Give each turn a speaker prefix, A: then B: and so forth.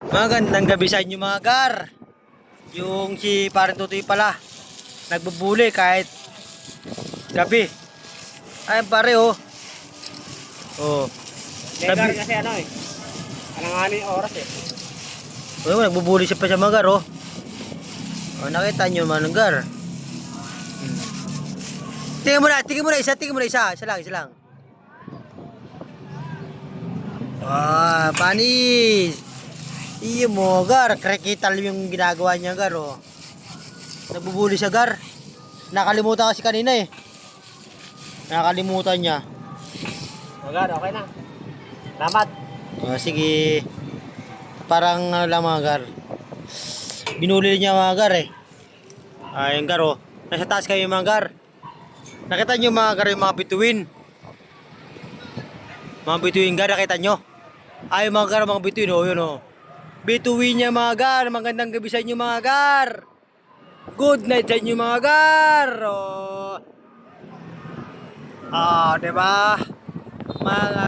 A: Magandang gabi sa inyo mga gar. Yung si parang Tutoy pala nagbubuli kahit gabi. Ay pare oh. Oh.
B: Negar kasi ano eh. Alanganin yung oras eh.
A: Oh, nagbubuli siya pa sa mga gar oh. Oh, nakita nyo mga gar. Tingnan mo na isa, isa lang. Ah, panis. Iyo mo gar, krekital yung ginagawa niya gar oh. Nagbubuli siya gar. Nakalimutan kasi kanina eh. Nakalimutan niya.
B: Negar, okay na. Salamat.
A: Oh, sige. Parang ano lang mga gar. Binuli niya mga gar eh. Yung gar oh. Nasa taas kayo mga gar. Nakita niyo mga gar yung mga bituin. Mga bituin gar, nakita niyo? Ay mga gar, mga bituin oh, yun oh. Bituin niya mga gar. Magandang gabi sa inyo mga gar. Good night sa inyo mga gar. Oh. Ah, 'di ba? Mga